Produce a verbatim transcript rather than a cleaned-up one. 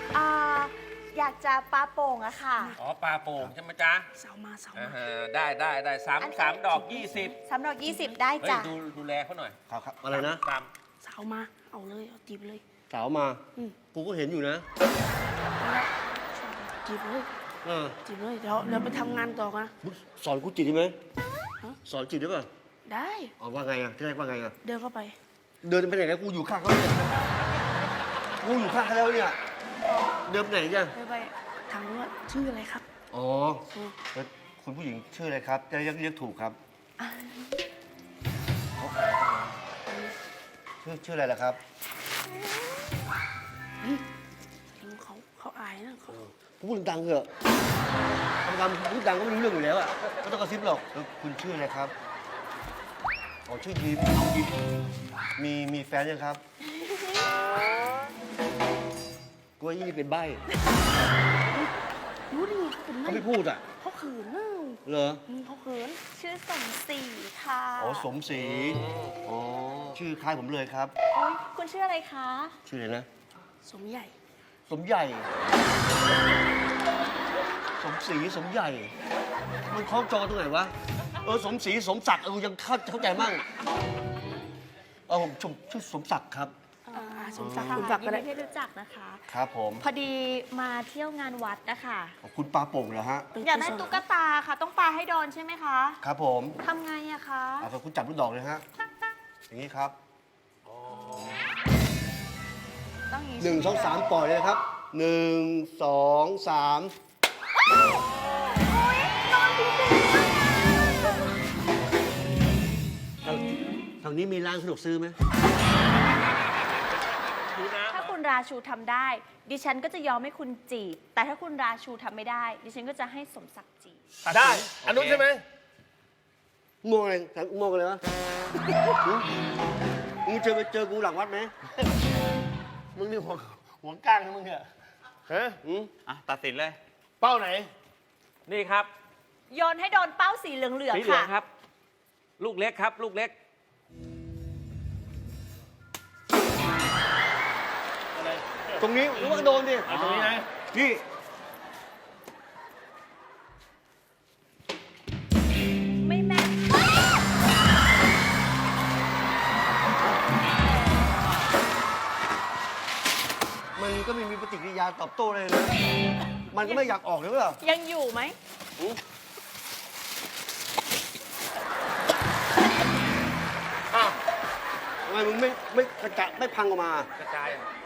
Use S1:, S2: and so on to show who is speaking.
S1: อ่าอยากจะปลาโป่งอะค่ะ
S2: อ๋อปลาโป่งใช่ไหมจ๊ะ
S3: เสามาเสา
S2: อ่า
S3: มา
S2: ฮะได้ได้ได้สาม
S1: อันนี้
S2: สามดอกยี่สิบ
S1: สามดอกยี่สิบได้
S2: เฮ้ย
S1: จ้ะ
S2: ดูดูแลเขาหน่อย
S4: ครับครับอะไรนะ
S2: ตาม
S3: เสามา เอาเลย เอาจีบเลย
S4: สาวมา
S3: อืม
S4: กูก็เห็นอยู่นะ
S3: จีบเลย
S4: เออ
S3: จีบเลย เดี๋ยวเดี๋ยวไปทำงานต่อกันนะ
S4: มึงสอนกูจีบได้ไหม
S3: ฮะ
S4: สอนจีบได้ป่ะ
S3: ได้
S4: อ๋อว่าไงอ่ะที่แรกว่าไงอ่ะ
S3: เดินเข้าไป
S4: เดินไปไหนกันกูอยู่ข้างเขาเนี่ยกูอยู่ข้างเขาแล้วเนี่ยเดินไปไหนกัน
S3: ไปไปถามว่าชื่ออะไรครับ
S4: อ๋อแล้วคุณผู้หญิงชื่ออะไรครับจะเรียกเรียกถูกครับชื่อชื่ออะไรล่ะครับ
S3: เขาเขาอายนะเขา
S4: พูดดังๆเถอะทำงานพูดดังก็ไม่รู้เรื่องอยู่แล้วอ่ะไม่ต้องกระซิบหรอกแล้วคุณชื่ออะไรครับอ๋อชื่อยิ้มน้องยิ้มมีมีแฟนยังครับกลัวยี่นี่เป็นใบ้
S3: รู้ได้ไงเขาเป็น
S4: เขาไม่พูดอ่ะ
S3: เขาเขินนะ
S4: เหรอ
S3: อืมเขาเขิน
S1: ชื่อสมศรีค่ะ
S4: อ๋อสมศรีอ๋อชื่อคล้ายผมเลยครับ
S1: โอ๊ยคุณชื่ออะไรคะ
S4: ชื่ออะไรนะ
S3: สมใหญ่
S4: สมใหญ่ สมศรีสมใหญ่ มันคล้องจองตรงไหนวะ เออสมศรีสมศักดิ์เออยังเข้าเข้าใจมั่งเออผมชมชื่อสมศักดิ์ครับ
S3: อ่าสมศักดิ์
S1: ค่ะ
S3: สมศักดิ์
S1: ยิ
S3: ก็
S1: น
S3: ได้
S1: ดีที่รู้จักนะคะ
S4: ครับผม
S1: พอดีมาเที่ยวงานวัดนะคะ
S4: ขอบคุณปลาโป่งเหรอฮะ
S1: อยากได้ตุ๊กตาค่ะ ต้องปาให้โดนใช่ไหมคะ
S4: ครับผม
S1: ทำไงอะคะ
S4: อ่ะขอบคุณจับลูกดอกเลยฮะ อย่างนี้ครับ
S1: ต้องอย่างนี้
S4: หนึ่งสองสามปล่อยเลยครับหนึ่งสองสาม
S1: นอนจริง
S4: ทางทางนี้มีร้านสะดวกซื้อไหม
S2: ดูนะ
S1: ๆถ้าคุณราชูทำได้ ดิฉันก็จะยอมให้คุณจีบ แต่ถ้าคุณราชูทำไม่ได้ ดิฉันก็จะให้สมศักดิ์จีบ
S2: ได้ อันนู้นใช่ไหม
S4: มองอะไรมองอะไรวะหึมึงเจอไปเจอกูหลังวัดไหม
S5: มึงนี่หัวหัวก้างนะมึงเนี่ยฮะ
S4: อืม
S2: อ่ะ ตัดสินเลย
S5: เป้าไหน
S2: นี่ครับ
S1: โยนให้โดนเป้าสีเหลือง
S2: สีเหลื
S1: ๆ
S2: อง
S1: ค่ะ
S2: ครับ ลูกเล็กครับ ลูกเล็ก
S4: ตรงนี้หรือว่าโดนดิ
S5: เอาตรงนี้นะ
S4: พี่
S1: ไม่แม่น
S4: มันก็ไม่มีปฏิกิริยาตอบโต้เลยนะ มันก็ไม่อยากออกเลยเปล่า
S1: ยังอยู่ไหม
S4: อ้าวทำไมมึงไม่ไม่กระจะไม่พังออกมา
S2: กระจายอ่ะ